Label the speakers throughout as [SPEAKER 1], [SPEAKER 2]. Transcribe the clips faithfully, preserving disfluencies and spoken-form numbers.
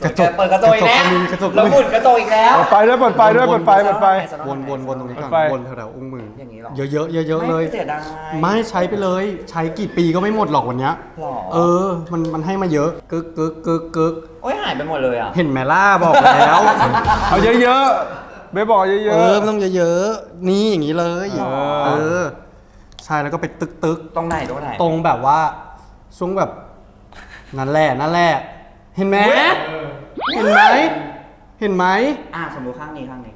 [SPEAKER 1] กระจก
[SPEAKER 2] เปิดกระจกอีกแล้ว
[SPEAKER 1] กระจก
[SPEAKER 2] แล้วหมุนกระจกอีกแล้ว
[SPEAKER 3] เปิดไฟด้วยเปิดไฟด้วยเปิดไฟเปิดไฟ
[SPEAKER 1] วนวนวนตรงนี้ก่อน
[SPEAKER 3] ไฟ
[SPEAKER 1] วนแถวๆอุ้งมือ
[SPEAKER 2] อย่างนี้หรอ
[SPEAKER 1] เยอะๆเยอะๆเลย
[SPEAKER 2] ไม่เสียดาย
[SPEAKER 1] ไม่ใช้ไปเลย ใช้กี่ปีก็ไม่หมดหรอกวันเนี้ย
[SPEAKER 2] หรอ
[SPEAKER 1] เออ มันมันให้มาเยอะกึกกึกกึกกึก
[SPEAKER 2] โอ้ยหายไปหมดเลยอ่ะ
[SPEAKER 1] เห็นไหมล่ะบอกแล้ว
[SPEAKER 3] เอาเยอะๆเบ๊บอกเย
[SPEAKER 1] เอ
[SPEAKER 3] อะ
[SPEAKER 1] อมันต้องเยอะๆนี่อย่างนี้เลย
[SPEAKER 3] เออ
[SPEAKER 1] เออใช่แล้วก็ไปตึกตึก
[SPEAKER 2] ตรงไหนตรงไหน
[SPEAKER 1] ตรงแบบว่าช่วงแบบนั่นแหละนั่นแหละเห็นไหมเห็นไหมเห็นไหม
[SPEAKER 2] อ่ะสมมติข้างนี้ข้างนี้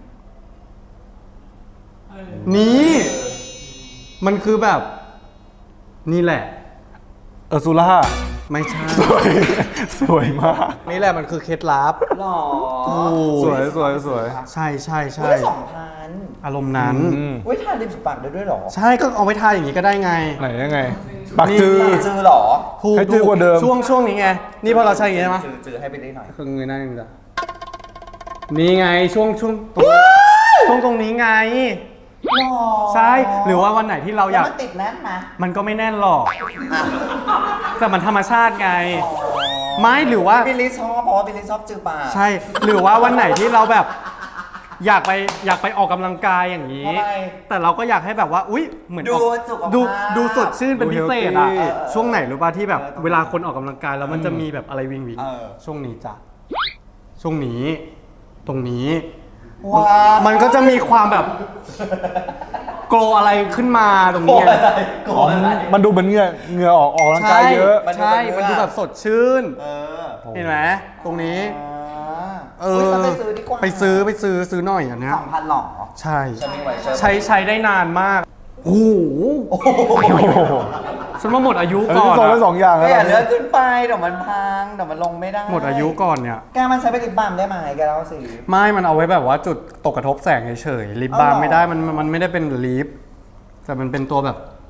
[SPEAKER 1] นี่มันคือแบบ นี่แหละ
[SPEAKER 3] ๆเออซูล่า
[SPEAKER 1] ไม่ใช่
[SPEAKER 3] สวยสวยมาก
[SPEAKER 1] นี่แหละมันคือเคล็ดลับ
[SPEAKER 2] หรอ
[SPEAKER 1] โอ้
[SPEAKER 3] สวยสวยสวย
[SPEAKER 1] ใช่ใช่ใช่
[SPEAKER 2] อุ้ยสองพัน
[SPEAKER 1] อารมณ์นั้น
[SPEAKER 3] อืม
[SPEAKER 2] อุ้ยทาลิปสติกปากได้ด้วยหรอ
[SPEAKER 1] ใช่ก็เอาไว้ทาอย่างนี้ก็ได้ไง
[SPEAKER 3] ไหนยังไงปากจือ
[SPEAKER 2] ปากจือหรอ
[SPEAKER 1] ถูก
[SPEAKER 3] ให้จืดกว่าเดิม
[SPEAKER 1] ช่วงช่วงนี้ไง นี่พอเราใช้อย่างนี้ใช่ไหม
[SPEAKER 2] จือจือให้ไปได้หน่อย
[SPEAKER 1] คือเงยหน้าอย่างนี้จ้ะนี่ไงช่วงช่วงตรงช่วงตรงนี้ไง
[SPEAKER 2] หรอ
[SPEAKER 1] ใช่ หรือว่าวันไหนที่เราอยาก
[SPEAKER 2] แล้วมันติดแน่นไหม
[SPEAKER 1] มันก็ไม่แน่นหรอก
[SPEAKER 2] อ่ะ
[SPEAKER 1] แต่มันธรรมชาติไง
[SPEAKER 2] อ๋อ
[SPEAKER 1] ไม่หรือว่า
[SPEAKER 2] บิลลี่ชอบเพราะว่าบิลลี่ชอบจือปาก
[SPEAKER 1] ใช่ หรือว่าวันไหนที่เราแบบ อยากไปอยากไปออกกำลังกายอย่างนี้
[SPEAKER 2] ทำไม
[SPEAKER 1] แต่เราก็อยากให้แบบว่า อุ๊ย เหมือน
[SPEAKER 2] ดู
[SPEAKER 1] ออก
[SPEAKER 2] สุขภาพ
[SPEAKER 1] ดูดูสดชื่นเป็นพิเศษอะ
[SPEAKER 3] ดู healthy
[SPEAKER 1] ช่วงไหนรู้ป่ะที่แบบ
[SPEAKER 2] เออ
[SPEAKER 1] เวลาคนออกกำลังกายแล้วมันจะมีแบบอะไรวิงวิง
[SPEAKER 2] เออ
[SPEAKER 1] ช่วงนี้จ้ะ ช่วงนี้ ตรงนี้
[SPEAKER 2] ว้าว
[SPEAKER 1] มันก็จะมีความแบบ โกลอะไรขึ้นมาตรง
[SPEAKER 2] โกร
[SPEAKER 1] นี้
[SPEAKER 2] ธอะไรโกรธอะไร
[SPEAKER 3] มันดูเหมือนเหงื่อเหงื่อออกออกกำลังกายเยอะ
[SPEAKER 2] มันดู
[SPEAKER 1] ใช่
[SPEAKER 2] เป็น
[SPEAKER 1] มัน
[SPEAKER 2] เนื้อ
[SPEAKER 1] ดูแบบสดชื่น
[SPEAKER 2] เออ
[SPEAKER 1] เห็นไหมตรงนี้ เอ
[SPEAKER 2] เฮ้ย
[SPEAKER 1] อ
[SPEAKER 2] ฉันไปซื้อดีกว่า
[SPEAKER 1] ไปซื้อไปซื้อซื้อหน่อยอันเนี้ย
[SPEAKER 2] สองพันหรอ
[SPEAKER 1] ใช่
[SPEAKER 2] ฉันมีไวเชอร์
[SPEAKER 1] ใช้ใช้ได้นานมาก โอ้โห
[SPEAKER 2] โอ้โห
[SPEAKER 1] ฉันว่าหมดอายุ
[SPEAKER 3] เออ
[SPEAKER 1] ก่อ
[SPEAKER 3] ที่
[SPEAKER 1] น
[SPEAKER 3] โซนละส
[SPEAKER 1] อะ
[SPEAKER 3] องอย่าง
[SPEAKER 2] ก็
[SPEAKER 3] แล้ว
[SPEAKER 2] อย่า
[SPEAKER 3] ตอน
[SPEAKER 2] เลื
[SPEAKER 3] นี้
[SPEAKER 2] อกขึ้นไปเดี๋ยวมันพังเดี๋ยวมันลงไม่ได้
[SPEAKER 1] หมดอายุก่อนเนี่ย
[SPEAKER 2] แกมันใช้ไปลิปบัมได้ไหมแกเล่าสิ
[SPEAKER 1] ไม่มันเอาไว้แบบว่าจุดตกกระทบแสงเฉยๆลิปบาล์ม
[SPEAKER 2] เอาเหรอ
[SPEAKER 1] ไม่ได้มันมันไม่ได้เป็นลิปแต่มันเป็นตัวแบบ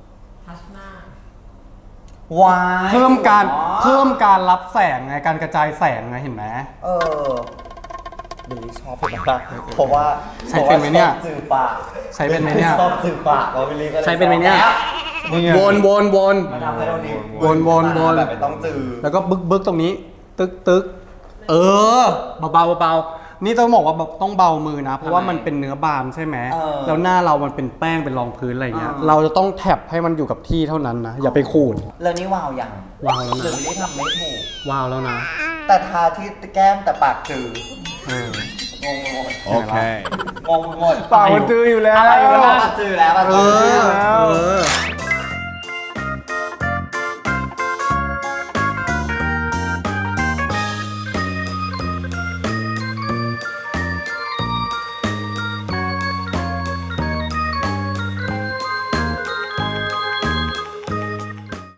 [SPEAKER 2] วาย
[SPEAKER 1] เพิ่มการ
[SPEAKER 2] อ๋อ
[SPEAKER 1] เพิ่มการรับแสงไงการกระจายแสงไงเห็นไหม
[SPEAKER 2] เออบิลลี่ชอบเป็นมากเพราะว่า
[SPEAKER 1] ใช้เป็นไหมเนี่ย
[SPEAKER 2] พราะว่าชอบจือปาก
[SPEAKER 1] ใช้เป็นไหมเนี่ย
[SPEAKER 2] ชอบจือปากแล้วบิลลี่ก็เลย
[SPEAKER 1] ใช้เป็นไหมเนี่ย
[SPEAKER 3] นี่ไง
[SPEAKER 1] วนวนวน
[SPEAKER 2] มาทำให้เราดี
[SPEAKER 1] วนวนวน
[SPEAKER 2] แบบไม่ต้องจือ
[SPEAKER 1] แล้วก็บึกบึกตรงนี้ ตึกตึกเออเบาเบาเบานี่ต้องบอกว่าแบบต้องเบามือนะ เพราะว่ามันเป็นเนื้อบาล์มใช่ไหม
[SPEAKER 2] เออ
[SPEAKER 1] แล้วหน้าเรามันเป็นแป้งเป็นรองพื้นอะไรเงี้ย
[SPEAKER 2] เออ
[SPEAKER 1] เราจะต้องแท็บให้มันอยู่กับที่เท่านั้นนะอย่าไปขูด
[SPEAKER 2] แล้วนี่วาวยัง
[SPEAKER 1] วาวแล้วนะ
[SPEAKER 2] หรือบิลลี่ทำไม่ถูก
[SPEAKER 1] ว้าวแล้วนะ
[SPEAKER 2] แต่ทาที่แก้มแต่ปากจือ
[SPEAKER 1] เออ
[SPEAKER 2] งงหมด
[SPEAKER 3] โอเค
[SPEAKER 2] งงหมด
[SPEAKER 3] ปากมันจืออยู่แล้ว
[SPEAKER 2] อะไรอยู่แล้วปากจือแล้วปาก
[SPEAKER 1] เอ
[SPEAKER 2] จือ
[SPEAKER 1] อ
[SPEAKER 2] แล้ว
[SPEAKER 1] เออ